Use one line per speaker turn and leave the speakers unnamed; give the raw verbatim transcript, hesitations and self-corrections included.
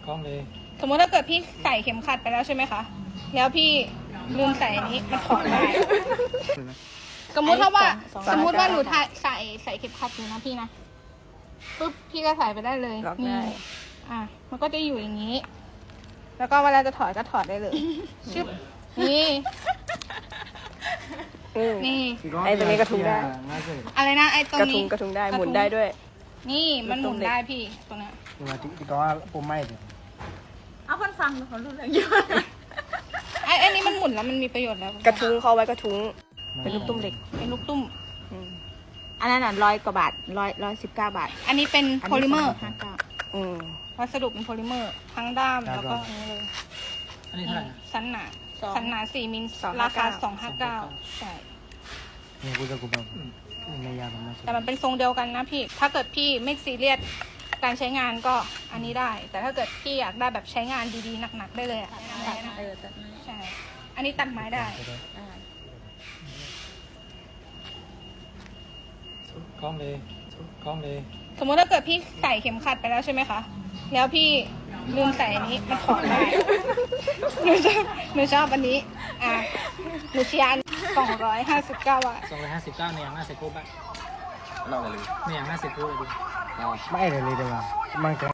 คล้องเลย
สมมติถ้าเกิดพี่ใส่เข็มขัดไปแล้วใช่ไหมคะแล้วพี่ลืมใส่อันนี้มันถอดได้สมมติถ้าว่าสมมติว่าหนูใส่ใส่ใส่เข็มขัดอยู่นะพี่นะปุ๊บพี่ก็ใส่ไปได้เลยนี่อ่ะมันก็จะอยู่อย่างนี้ แล้วก็เวลาจะถอดก็ถอดได้เลยชึบนี่นี่
ไอ้ตัวนี้กระทุ้งได้
อะไรนะไอ้ตรง
กระทุ้
นี้
งกระทุ้งได้หมุนได้ด้วย
นี่มันหมุนได้พี่ตรงเนี้ย
มาที่ที่ก็ว่าปุ่มไม่เนี่ย
เอาคนฟังเขารู้เรื่องเยอะ
ไอ้ไอ้นี้มันหมุนแล้วมันมีประโยชน์แล้ว
กระทุ้งเขาไว้กระทุ้งเป็นลูกตุ้มเหล็ก
เป็นลูกตุ้ม
อืม
อันนั้นอ่ะร้อยกว่าบาทร้อยร้อยสิบเก้าบาท
อันนี้เป็นโพลิเมอร์
ห้าเก้า
อืม
วัสดุเป็นโพลิเมอร์ทั้งด้ามแล้วก็อันนี้เลย
อันนี้เท่าไหร่นะ
สันหนาสันหนาสี่มิลราคาสองห้าเก้าใช่
นี่กูจะกูแบบในยามันมา
แต่มันเป็นทรงเดียวกันนะพี่ ถ้าเกิดพี่ไม่ซีเรียสการใช้งานก็อันนี้ได้ แต่ถ้าเกิดพี่อยากได้แบบใช้งานดีๆหนักๆได้เลยอ่ะ
เออแต่ไม่
ใช่ อันนี้ตัดไม้ได้
อ่า
คล้องเลยคล้องเลย
สมมติถ้าเกิดพี่ใส่เข็มขัดไปแล้วใช่ไหมคะแล้วพี่ลืมใส่อันนี้มันถอดได้หนูชอบหนูชอบอันนี้อ่ะหนูเชียร์สองร้อยห้าสิบเก้าบาท
สองร้อยห้าสิบเก้าเนี่ยอย่างน่าเซ็กโก้บ้าง
เล่ากันเลย
เนี่ยอย่างน่าเซ็กโก้เลยดิ
เอา
ไม่เลยเลยเดี๋ยวมันกระ